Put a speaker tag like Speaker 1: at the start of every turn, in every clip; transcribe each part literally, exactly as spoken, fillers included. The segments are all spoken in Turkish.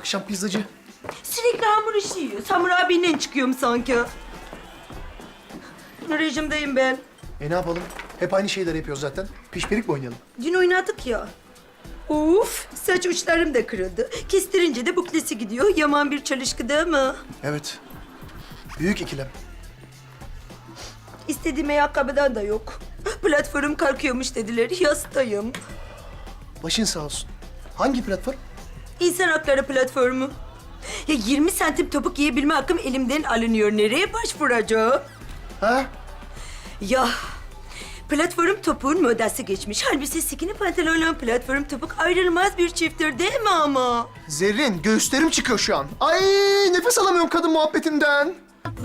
Speaker 1: Akşam pizzacı.
Speaker 2: Sürekli hamur işi yiyor. Samur abiyle çıkıyorum sanki. Rejimdeyim ben.
Speaker 1: E ne yapalım? Hep aynı şeyleri yapıyoruz zaten. Pişpirik mi oynayalım?
Speaker 2: Dün oynadık ya. Uf, saç uçlarım da kırıldı. Kestirince de buklesi gidiyor. Yaman bir çalışkı değil mi?
Speaker 1: Evet. Büyük ikilem.
Speaker 2: İstediğim ayakkabıdan da yok. Platform kalkıyormuş dediler. Yastayım.
Speaker 1: Başın sağ olsun. Hangi platform?
Speaker 2: İnsan hakları platformu. Ya yirmi santim topuk giyebilme hakkım elimden alınıyor. Nereye başvuracağım?
Speaker 1: Ha?
Speaker 2: Ya platform topuğun modası geçmiş. Halbuki skinny pantolonla platform topuk ayrılmaz bir çifttir değil mi ama?
Speaker 1: Zerrin, göğüslerim çıkıyor şu an. Ay nefes alamıyorum kadın muhabbetinden.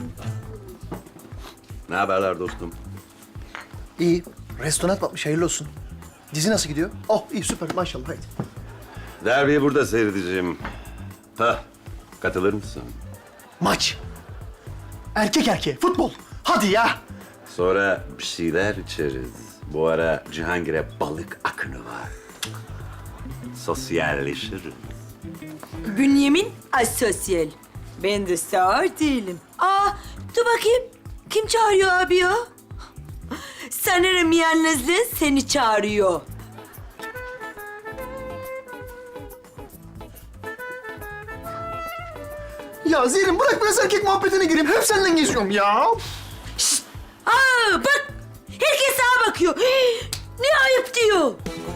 Speaker 3: Ne haberler dostum?
Speaker 1: İyi. Restoran batmış, hayırlı olsun. Dizi nasıl gidiyor? Oh iyi süper maşallah haydi.
Speaker 3: Derbiyi burada seyredeceğim. Ha, katılır mısın?
Speaker 1: Maç. Erkek erkeğe futbol. Hadi ya.
Speaker 3: Sonra bir şeyler içeriz. Bu ara Cihangir'e balık akını var. Sosyalleşiriz.
Speaker 2: Bünyamin asosyal. Ben de sağır değilim. Aa, dur bakayım. Kim çağırıyor abi ya? Sanırım yalnızlığı seni çağırıyor.
Speaker 1: Ya Zerrin bırak biraz erkek muhabbetine gireyim. Hep senden geziyorum ya.
Speaker 2: Şşt! Aa, bak! Herkes sağa bakıyor. Hii, ne ayıp diyor.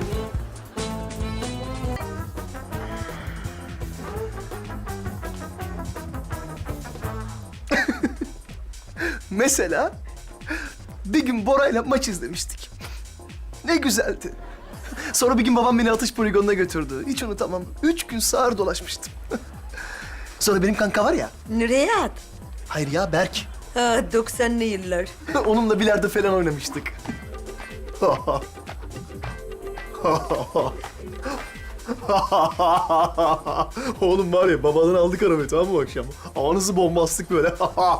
Speaker 1: Mesela bir gün Bora'yla maç izlemiştik. Ne güzeldi. Sonra bir gün babam beni atış poligonuna götürdü. Hiç unutamam. Üç gün sağır dolaşmıştım. Sonra benim kanka var ya.
Speaker 2: Nereye at?
Speaker 1: Hayır ya Berk.
Speaker 2: Ha, doksanlı yıllar.
Speaker 1: Onunla bilardo falan oynamıştık. Oğlum var ya babadan aldık arabayı tamam mı akşam? Anası bombastık böyle.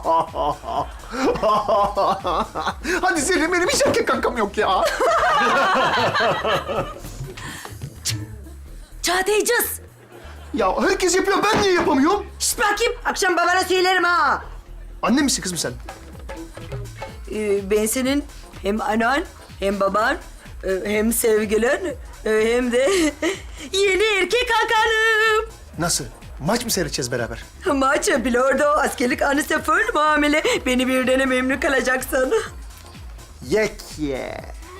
Speaker 1: Hadi Zerrin benim hiç erkek kankam yok ya.
Speaker 2: Çağatayacağız.
Speaker 1: Ya herkes yapıyor ben niye yapamıyorum?
Speaker 2: Şşt bakayım. Akşam babana söylerim ha.
Speaker 1: Anne misin kızım sen?
Speaker 2: Ee, ben senin hem anan hem baban e, hem sevgilin e, hem de yeni erkek hakanım.
Speaker 1: Nasıl? Maç mı seyredeceğiz beraber?
Speaker 2: Maçı bilordo, askerlik anısı full muamele. Beni birden memnun kalacaksın.
Speaker 1: Yek ye.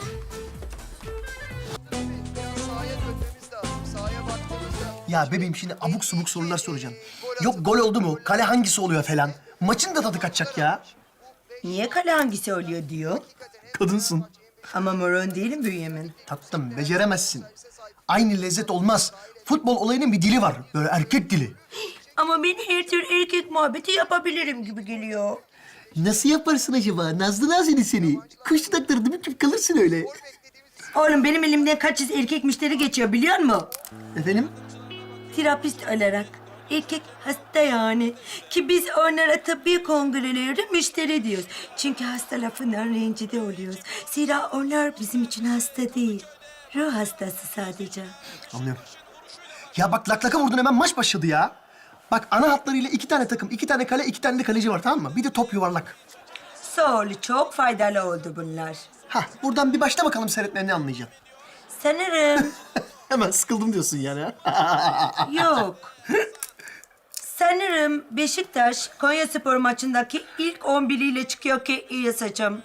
Speaker 1: Ya bebeğim şimdi abuk subuk sorular soracağım. Yok gol oldu mu? Kale hangisi oluyor falan. Maçın da tadı kaçacak ya.
Speaker 2: Niye kale hangisi oluyor diyor.
Speaker 1: Kadınsın.
Speaker 2: Ama moron değilim Bünyamin.
Speaker 1: Tatlım beceremezsin. Aynı lezzet olmaz. Futbol olayının bir dili var. Böyle erkek dili.
Speaker 2: Ama ben her tür erkek muhabbeti yapabilirim gibi geliyor.
Speaker 1: Nasıl yaparsın acaba? Nazlı Nazeli seni. Kuş dudakları dümdüz kalırsın öyle.
Speaker 2: Oğlum benim elimden kaç yüz erkek müşteri geçiyor biliyor musun?
Speaker 1: Efendim?
Speaker 2: Terapist olarak. Erkek hasta yani. Ki biz onlara tıbbi kongrelerde müşteri diyoruz. Çünkü hasta lafından rencide oluyoruz. Zira onlar bizim için hasta değil. Ruh hastası sadece.
Speaker 1: Anlıyorum. Ya bak laklaka vurdun hemen maç başladı ya. Bak ana hatlarıyla iki tane takım, iki tane kale, iki tane de kaleci var tamam mı? Bir de top yuvarlak.
Speaker 2: Sağ ol, çok faydalı oldu bunlar.
Speaker 1: Hah buradan bir başla bakalım seyretmeye ne anlayacaksın.
Speaker 2: Sanırım
Speaker 1: Hemen sıkıldım diyorsun yani ha.
Speaker 2: yok. Sanırım Beşiktaş Konyaspor maçındaki ilk on biriyle çıkıyor ki iyi saçım.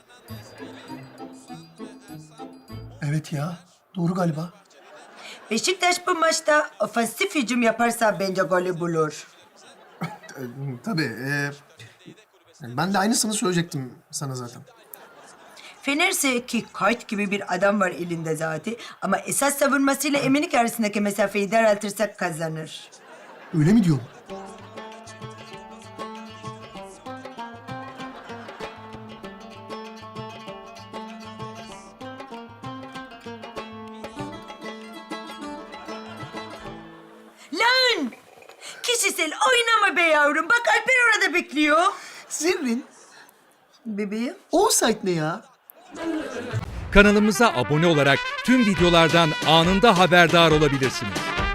Speaker 1: Evet ya doğru galiba.
Speaker 2: Beşiktaş bu maçta ofansif hücum yaparsa bence golü bulur.
Speaker 1: Ee, tabii. E, ben de aynısını söyleyecektim sana zaten.
Speaker 2: Fenerse ki kayıt gibi bir adam var elinde zaten. Ama esas savunmasıyla Eminik arasındaki mesafeyi daraltırsak kazanır.
Speaker 1: Öyle mi diyorsun?
Speaker 2: Lan! Kişisel oynama be yavrum. Bak Alper orada bekliyor.
Speaker 1: Zerrin,
Speaker 2: Bebeğim.
Speaker 1: offside ne ya?
Speaker 4: Kanalımıza abone olarak tüm videolardan anında haberdar olabilirsiniz.